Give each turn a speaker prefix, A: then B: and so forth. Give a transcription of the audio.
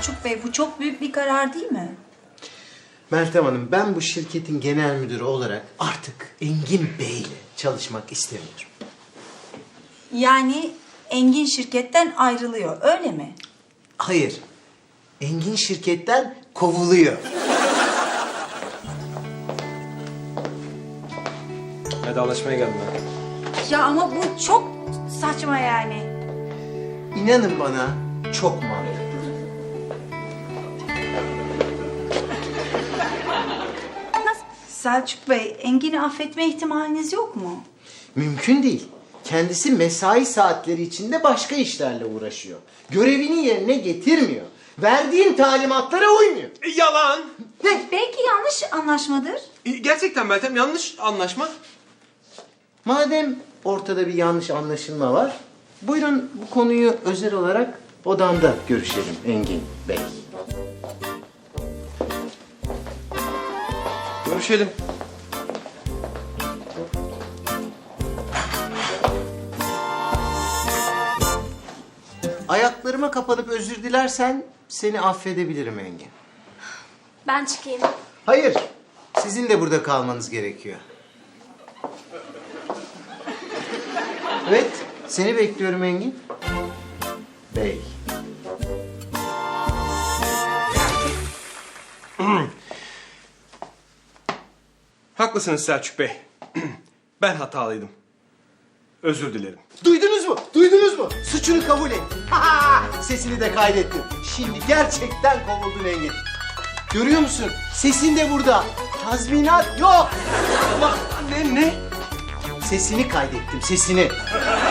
A: Selçuk Bey, bu çok büyük bir karar değil mi?
B: Meltem Hanım, ben bu şirketin genel müdürü olarak artık Engin Bey ile çalışmak istemiyorum.
A: Yani Engin şirketten ayrılıyor, öyle mi?
B: Hayır, Engin şirketten kovuluyor.
C: Vedalaşmaya geldim ben.
A: Ya ama bu çok saçma yani.
B: İnanın bana, çok mantıklı.
A: Selçuk Bey, Engin'i affetme ihtimaliniz yok mu?
B: Mümkün değil. Kendisi mesai saatleri içinde başka işlerle uğraşıyor. Görevini yerine getirmiyor. Verdiğin talimatlara uymuyor.
C: Yalan.
A: Belki yanlış anlaşmadır.
C: Gerçekten Meltem, yanlış anlaşma.
B: Madem ortada bir yanlış anlaşılma var, buyurun bu konuyu özel olarak odamda görüşelim Engin Bey.
C: Görüşelim.
B: Ayaklarıma kapanıp özür dilersen seni affedebilirim Engin.
D: Ben çıkayım.
B: Hayır, sizin de burada kalmanız gerekiyor. Evet, seni bekliyorum Engin. Bey.
C: Haklısınız Selçuk Bey. Ben hatalıydım. Özür dilerim.
B: Duydunuz mu? Duydunuz mu? Suçunu kabul et. Sesini de kaydettim. Şimdi gerçekten kovuldun Engin. Görüyor musun? Sesin de burada. Tazminat yok.
C: Ama ne?
B: Sesini kaydettim, sesini.